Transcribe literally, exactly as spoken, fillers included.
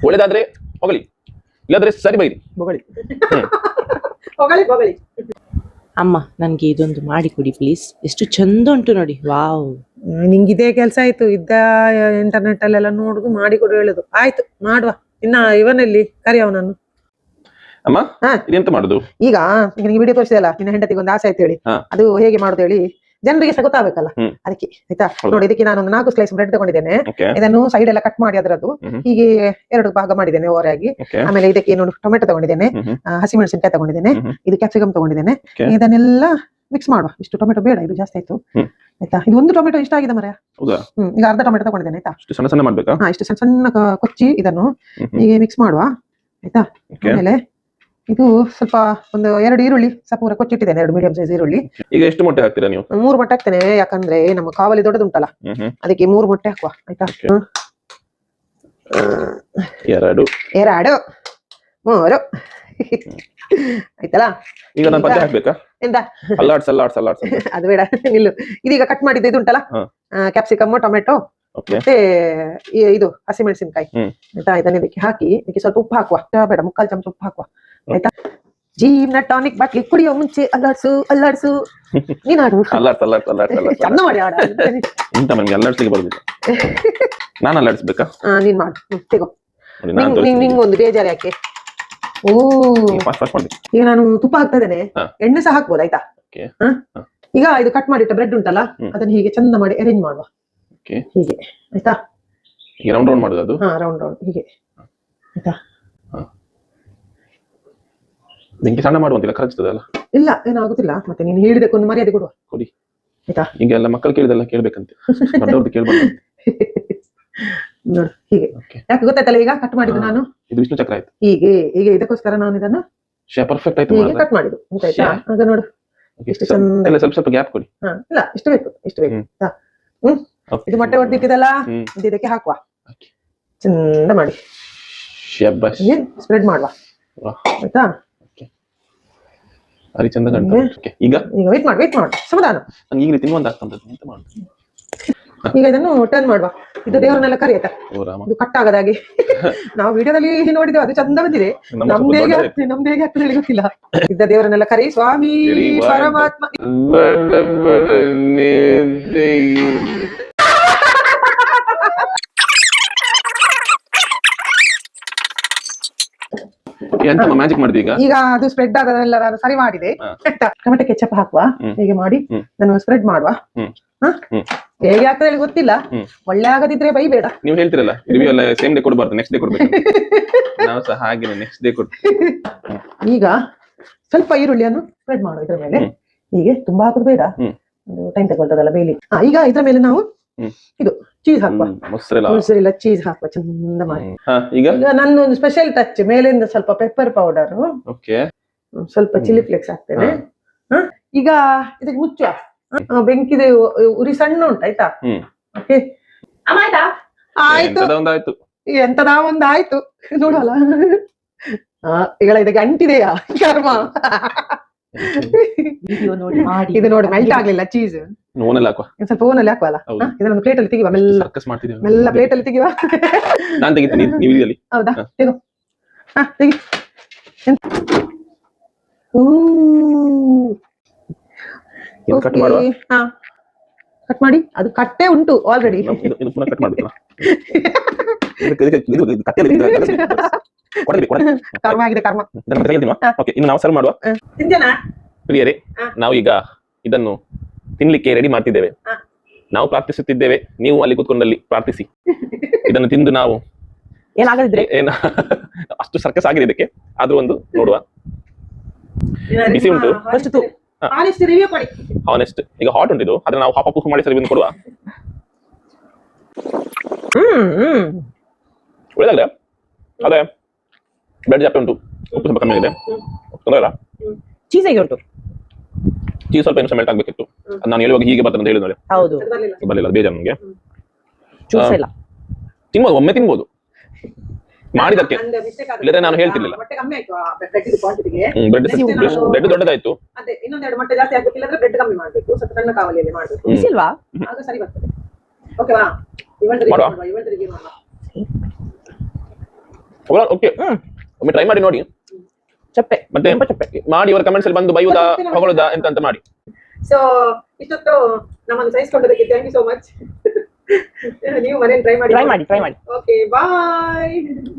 ಒಳ್ಳೇದಾದ್ರೆ ಹೊಗಳಿ, ಇಲ್ಲಾದ್ರೆ ಸರಿ ಬೈರಿ. ಬೊಗಳಿ ಹೊಗಳಿ ಬೊಗಳಿ. ಅಮ್ಮ ನನ್ಗೆ ಇದೊಂದು ಮಾಡಿ ಕೊಡಿ ಪ್ಲೀಸ್. ಎಷ್ಟು ಚಂದ ಉಂಟು ನೋಡಿ. ವಾವ್, ನಿಂಗೆ ಇದೇ ಕೆಲಸ ಆಯ್ತು. ಇದ್ದ ಇಂಟರ್ನೆಟ್ ಅಲ್ಲೆಲ್ಲ ನೋಡುದು ಮಾಡಿ ಕೊಡು ಹೇಳುದು. ಆಯ್ತು ಮಾಡುವ. ಇನ್ನ ಇವನಲ್ಲಿ ಕರಿಯವ ನಾನು. ಅಮ್ಮ ಇದೆಂತ ಮಾಡುದು ಈಗ? ನಿನಗೆ ವಿಡಿಯೋ ತೋರಿಸಿದಲ್ಲ, ನಿನ್ನ ಹೆಂಡತಿಗೆ ಒಂದು ಆಸೆ ಆಯ್ತು ಹೇಳಿ, ಅದು ಹೇಗೆ ಮಾಡುದು ಹೇಳಿ ಜನರಿಗೆ ಸಹ ಗೊತ್ತಾಗಬೇಕಲ್ಲ, ಅದಕ್ಕೆ ಆಯ್ತಾ. ನೋಡಿ, ಇದಕ್ಕೆ ನಾನು ಒಂದು ನಾಲ್ಕು ಸ್ಲೈಸ್ ಬ್ರೆಡ್ ತಗೊಂಡಿದ್ದೇನೆ. ಇದನ್ನು ಸೈಡ್ ಎಲ್ಲ ಕಟ್ ಮಾಡಿ ಅದರದ್ದು ಹೀಗೆ ಎರಡು ಭಾಗ ಮಾಡಿದ್ದೇನೆ ಓವರಾಗಿ. ಆಮೇಲೆ ಇದಕ್ಕೆ ಏನು ಟೊಮೆಟೊ ತಗೊಂಡಿದ್ದೇನೆ, ಹಸಿಮೆಣಸಿನಕಾಯಿ ತಗೊಂಡಿದ್ದೇನೆ, ಇದು ಕ್ಯಾಪ್ಸಿಕಮ್ ತಗೊಂಡಿದ್ದೇನೆ. ಇದನ್ನೆಲ್ಲ ಮಿಕ್ಸ್ ಮಾಡುವ. ಇಷ್ಟು ಟೊಮೆಟೊ ಬೇಡ, ಇದು ಜಾಸ್ತಿ ಆಯ್ತು ಆಯ್ತಾ. ಇದು ಒಂದು ಟೊಮೆಟೊ ಇಷ್ಟ ಆಗಿದೆ ಮರ. ಹ್ಮ್ ಈಗ ಅರ್ಧ ಟೊಮೆಟೊ ತಗೊಂಡಿದ್ದೇನೆ ಆಯ್ತಾ. ಸಣ್ಣ ಸಣ್ಣ ಮಾಡ್ಬೇಕಾ? ಹಾ, ಇಷ್ಟು ಸಣ್ಣ ಸಣ್ಣ ಕೊಚ್ಚಿ ಇದನ್ನು ಹೀಗೆ ಮಿಕ್ಸ್ ಮಾಡುವ ಆಯ್ತಾ. ಆಮೇಲೆ ಇದು ಸ್ವಲ್ಪ ಒಂದು ಎರಡು ಈರುಳ್ಳಿ ಸಪೂರ ಕೊಚ್ಚಿಟ್ಟಿದ್ದೇನೆ, ಎರಡು ಮೀಡಿಯಂ ಸೈಜ್ ಈರುಳ್ಳಿ. ಈಗ ಎಷ್ಟು ಮೊಟ್ಟೆ ಹಾಕ್ತೀರಾ ನೀವು? ಮೂರು ಮೊಟ್ಟೆ ಹಾಕ್ತೇನೆ, ಯಾಕಂದ್ರೆ ನಮ್ಮ ಕಾವಲಿ ದೊಡ್ಡದುಂಟಲ್ಲ ಅದಕ್ಕೆ ಮೂರು ಮೊಟ್ಟೆ ಹಾಕುವ ಆಯ್ತಾ. ಎರಡು ಎರಡು ಮೂರು ಆಯ್ತಲ್ಲ. ಈಗ ನಾನು ಪದ್ಯ ಹಾಕ್ಬೇಕಾ? ಎಂತ ಅಲ್ಲಾಡ್ಸ್ ಅಲ್ಲಾಡ್ಸ್ ಅಲ್ಲಾಡ್ಸ್ ಅದು ಬೇಡ, ನಿಲ್ಲು. ಇದೀಗ ಕಟ್ ಮಾಡಿದ್ದು ಇದು ಉಂಟಲ್ಲ, ಕ್ಯಾಪ್ಸಿಕಮ್, ಟೊಮೆಟೊ ಮತ್ತೆ ಇದು ಹಸಿಮೆಣಸಿನಕಾಯಿ ಆಯ್ತಾ. ಇದನ್ನ ಇದಕ್ಕೆ ಹಾಕಿ ಇದಕ್ಕೆ ಸ್ವಲ್ಪ ಉಪ್ಪು ಹಾಕುವ. ಬೇಡ, ಮುಕ್ಕಾಲು ಚಮಚ ಉಪ್ಪು ಹಾಕುವ ಆಯ್ತಾ. ಜೀವನ ಟಾನಿಕ್ ಬಾಟ್ಲಿ ಕುಡಿಯೋ ಮುಂಚೆ ಅಲ್ಲಾಡ್ಸು ಅಲ್ಲಾಡ್ಸು. ನೀನ್ ಆಡು ಅಲ್ಲಾಡ್ಸ್ ಅಲ್ಲಾಡ್ಸ್ ಅಲ್ಲಾಡ್ಸ್ ಚಂದ ಮಾಡಿ ಆಡ. ಇಂತ ನನ್ಗೆ ಅಲ್ಲಾಡ್ಸ್ಲಿಕ್ಕೆ ಬರುದಿಲ್ಲ, ನಾನು ಅಲ್ಲಾಡ್ಸ್ಬೇಕಾ? ನೀನ್ ಮಾಡು, ತೆಗೋ. ನಿಂಗೊಂದು ಬೇಜಾರು ಯಾಕೆ? ಓ, ಈಗ ನಾನು ತುಪ್ಪ ಹಾಕ್ತಾ ಇದ್ದೇನೆ, ಎಣ್ಣೆ ಸಹ ಹಾಕ್ಬೋದು ಆಯ್ತಾ. ಈಗ ಇದು ಕಟ್ ಮಾಡಿಟ್ಟ ಬ್ರೆಡ್ ಉಂಟಲ್ಲ, ಅದನ್ನ ಹೀಗೆ ಚಂದ ಮಾಡಿ ಅರೇಂಜ್ ಮಾಡುವ ಹೀಗೆ ಆಯ್ತಾ. ರೌಂಡ್ ರೌಂಡ್ ಮಾಡುದು ಅದು? ಹಾ, ರೌಂಡ್ ರೌಂಡ್ ಹೀಗೆ ಆಯ್ತಾ. ಬೆಂಕಿ ಸಣ್ಣ ಮಾಡುವಂತಿಲ್ಲ, ಕರಗ್ತದಲ್ಲ? ಇಲ್ಲ, ಏನಾಗುದಿಲ್ಲ. ಮತ್ತೆ ನೀನು ಹೇಳಿದಕ್ಕೊಂದು ಮರ್ಯಾದೆ ಕೊಡುವ ಕೊಡಿ ಆಯ್ತಾ. ಈಗ ಎಲ್ಲ ಮಕ್ಕಳು ಕೇಳಿದೆಲ್ಲ ಕೇಳ್ಬೇಕಂತೆ, ದೊಡ್ಡವ್ರದ್ದು ಕೇಳ್ಬಾರ್ದು. ನೋಡು ಹೀಗೆ. ಯಾಕೆ ಗೊತ್ತಾಯ್ತಲ್ಲ ಈಗ ಕಟ್ ಮಾಡಿದ್ದು ನಾನು? ಇದು ವಿಷ್ಣು ಚಕ್ರ ಆಯ್ತು. ಹೀಗೆ ಹೀಗೆ ಇದಕ್ಕೋಸ್ಕರ ನಾನು ಇದನ್ನು ಪರ್ಫೆಕ್ಟ್ ಆಯ್ತು ಹೀಗೆ ಕಟ್ ಮಾಡಿದ್ದು ಆಯ್ತಾ. ಆಗ ನೋಡು ಎಷ್ಟು ಚಂದ. ಸ್ವಲ್ಪ ಸ್ವಲ್ಪ ಗ್ಯಾಪ್ ಕೊಡಿ. ಹಾ, ಇಲ್ಲ ಇಷ್ಟು ಬೇಕು, ಇಷ್ಟು ಬೇಕು ಆಯ್ತಾ. ಹ್ಮ್ ಇದು ಮೊಟ್ಟೆ ಹೊಡೆದಿಟ್ಟಿದಲ್ಲ, ಇದಕ್ಕೆ ಹಾಕುವ ಚಂದ ಮಾಡಿ ಸ್ಪ್ರೆಡ್ ಮಾಡುವ ಆಯ್ತಾ. ಅರಿ ಚಂದ ಕಾಣ್ತದೆ. ಈಗ ಈಗ ವೇಟ್ ಮಾಡಿ, ವೇಟ್ ಮಾಡಿ, ಸಮಾಧಾನ. ನಂಗೆ ಈಗಲೇ ತಿನ್ನುವಂತ ಆಗ್ತದೆ, ಎಂತ ಮಾಡುದು? ಈಗ ಇದನ್ನು ಟರ್ನ್ ಮಾಡುವ. ಇದು ದೇವರನ್ನೆಲ್ಲ ಕರಿಯತ್ತ, ಇದು ಕಟ್ ಆಗದಾಗೆ. ನಾವು ವಿಡಿಯೋದಲ್ಲಿ ನೋಡಿದ್ದೇವೆ, ಅದು ಚಂದ ಬಂದಿದೆ. ನಮ್ದು ಹೇಗೆ ಆಗ್ತದೆ ನಮ್ದು ಹೇಗೆ ಆಗ್ತದೆ ಹೇಳಿ ಗೊತ್ತಿಲ್ಲ. ಇದ್ದ ದೇವರನ್ನೆಲ್ಲ ಕರಿ. ಸ್ವಾಮಿ ಪರಮಾತ್ಮ. ಎಂತ ಮ್ಯಾಜಿಕ್ ಮಾಡಿದೆ ಈಗ? ಈಗ ಅದು ಸ್ಪ್ರೆಡ್ ಆಗೋದೆಲ್ಲ ನಾನು ಸರಿ ಮಾಡಿದೆ. ಟೊಮೆಟೊ ಕೆಚಪ್ ಹಾಕುವ, ಹೀಗೆ ಮಾಡಿ ನಾನು ಸ್ಪ್ರೆಡ್ ಮಾಡುವ. ಹೇಗೆ ಆಗ್ತದೆ ಹೇಳಿ ಗೊತ್ತಿಲ್ಲ, ಒಳ್ಳೆ ಆಗದಿದ್ರೆ ಬೈಬೇಡ. ನೀವು ಹೇಳ್ತಿರಲ್ಲ ರಿವ್ಯೂ ಎಲ್ಲ ಸೇಮ್ ಡೇ ಕೊಡಬಾರ್ದು, ನೆಕ್ಸ್ಟ್ ಡೇ ಕೊಡ್ಬೇಕು. ನಾವು ಸಹ ಹಾಗೆ ನೆಕ್ಸ್ಟ್ ಡೇ ಕೊಡ್ತೀವಿ. ಈಗ ಸ್ವಲ್ಪ ಈರುಳ್ಳಿಯನ್ನು ಸ್ಪ್ರೆಡ್ ಮಾಡುವ ಇದ್ರ ಮೇಲೆ. ಹೀಗೆ ತುಂಬಾ ಹಾಕೋದು ಬೇಡ, ಒಂದು ಟೈಮ್ ತಗೊಳ್ತದಲ್ಲ ಬೇಲಿ. ಈಗ ಇದ್ರ ಮೇಲೆ ನಾವು ಇದು ಚೀಸ್ ಹಾಕುವ. ಮೊಸರೆಲ್ಲ ಚೀಸ್ ಹಾಕುವ ಚಂದ ಮಾಡಿ. ಈಗ ನನ್ನ ಒಂದು ಸ್ಪೆಷಲ್ ಟಚ್, ಮೇಲಿಂದ ಸ್ವಲ್ಪ ಪೆಪ್ಪರ್ ಪೌಡರ್, ಸ್ವಲ್ಪ ಚಿಲ್ಲಿ ಫ್ಲೇಕ್ಸ್ ಹಾಕ್ತೇನೆ. ಈಗ ಇದಕ್ಕೆ ಮುಚ್ಚುವ. ಬೆಂಕಿದೆ, ಉರಿ ಸಣ್ಣ ಉಂಟು ಆಯ್ತಾ. ಓಕೆ ಆಯ್ತು, ಎಂತದ ಒಂದು ಆಯ್ತು ನೋಡಲ್ಲ. ಈಗ ಇದಕ್ಕೆ ಅಂಟಿದೆಯಾ ಕರ್ಮ? ಇದು ನೋಡಿ ಮೆಲ್ಟ್ ಆಗ್ಲಿಲ್ಲ ಚೀಸ್. ಸ್ವಲ್ಪ ಓನಲ್ಲಿ ಹಾಕುವಲ್ಲ, ಇದನ್ನು ಪ್ಲೇಟ್ ಅಲ್ಲಿ ತೆಗಿವ. ಮೆಲ್ಲ ಮೆಲ್ಲ ಪ್ಲೇಟ್ ಅಲ್ಲಿ ತೆಗಿವ. ಹೌದಾ, ತೆಗೋ. ಹಾ ತೆಗಿ. ಹಾ ಕಟ್ ಮಾಡಿ. ಅದು ಕಟ್ಟೆ ಉಂಟು ಆಲ್ರೆಡಿ. ಕರ್ಮ ಆಗಿದೆ ಕರ್ಮ. ಇನ್ನು ನಾವು ಸರ್ವ್ ಮಾಡುವ. ಪ್ರಿಯರೇ, ನಾವು ಈಗ ಇದನ್ನು ತಿನ್ಲಿಕ್ಕೆ ರೆಡಿ ಮಾಡ್ತಿದ್ದೇವೆ. ನಾವು ಪ್ರಾರ್ಥಿಸುತ್ತಿದ್ದೇವೆ, ನೀವು ಅಲ್ಲಿ ಕೂತ್ಕೊಂಡಲ್ಲಿ ಪ್ರಾರ್ಥಿಸಿ. ಇದನ್ನು ತಿಂದು ನಾವು ಏನಾಗದಿದ್ರೆ ಏನ ಅಷ್ಟು ಸರ್ಕಸ್ ಆಗಿದೆ ಇದಕ್ಕೆ, ಆದ್ರೂ ಒಂದು ನೋಡುವ. ಬಿಸಿ ಉಂಟು, ಹಾನೆಸ್ಟ್. ಈಗ ಹಾಟ್ ಉಂಟು ಇದು, ಅದನ್ನ ನಾವು ಹಾಪ ಪೂಫ್ ಮಾಡಿ ಸರಿ ಕೊಡುವ. ಒಳ್ಳೆದಾಗ್ರೆ. ಅದೇ ಬ್ರೆಡ್ ಜಾಸ್ತಿ ಉಂಟು, ಉಪ್ಪು ಸ್ವಲ್ಪ ಕಮ್ಮಿ ಇದೆ, ತೊಂದರೆ ಇಲ್ಲ. ಚೀಸ್ ಹೇಗೆ ಉಂಟು? ಚೀಸ್ ಸ್ವಲ್ಪ ಇನ್ನೂ ಮೆಲ್ಟ್ ಆಗ್ಬೇಕಿತ್ತು. ನಾನು ಹೇಳುವಾಗ ಹೀಗೆ ಬರ್ತದೆ ಅಂತ ಹೇಳಿದ್ರೆ ಹೌದು ಬರಲಿಲ್ಲ, ಬೇಜಾರು ನನಗೆ. ತಿನ್ಬೋದು, ಒಮ್ಮೆ ತಿನ್ಬೋದು ಮಾಡಿದಕ್ಕೆ, ಇಲ್ಲದ್ರೆ ನಾನು ಹೇಳ್ತಿರ್ಲಿಲ್ಲ. ಬ್ರೆಡ್ ದೊಡ್ಡದಾಯ್ತು, ಓಕೆ ಹ್ಮ್ ಒಮ್ಮೆ ಟ್ರೈ ಮಾಡಿ ನೋಡಿ ಚಪ್ಪೆ ಮತ್ತೆ ತುಂಬಾ ಚಪ್ಪೆ. ಮಾಡಿ ಅವರ ಕಮೆಂಟ್ಸ್ ಅಲ್ಲಿ ಬಂದು ಬೈಯುವುದಾ ಹೊಗಳುದಾ ಎಂತ ಅಂತ ಮಾಡಿ. ಸೊ ಇಷ್ಟೊತ್ತು ನಮ್ಮನ್ನು ಸಹಿಸ್ಕೊಂಡದಕ್ಕೆ ಥ್ಯಾಂಕ್ ಯು ಸೋ ಮಚ್. ನೀವು ಮನೇಲಿ ಟ್ರೈ ಮಾಡಿ ಟ್ರೈ ಮಾಡಿ ಟ್ರೈ ಮಾಡಿ ಓಕೆ ಬಾಯ್.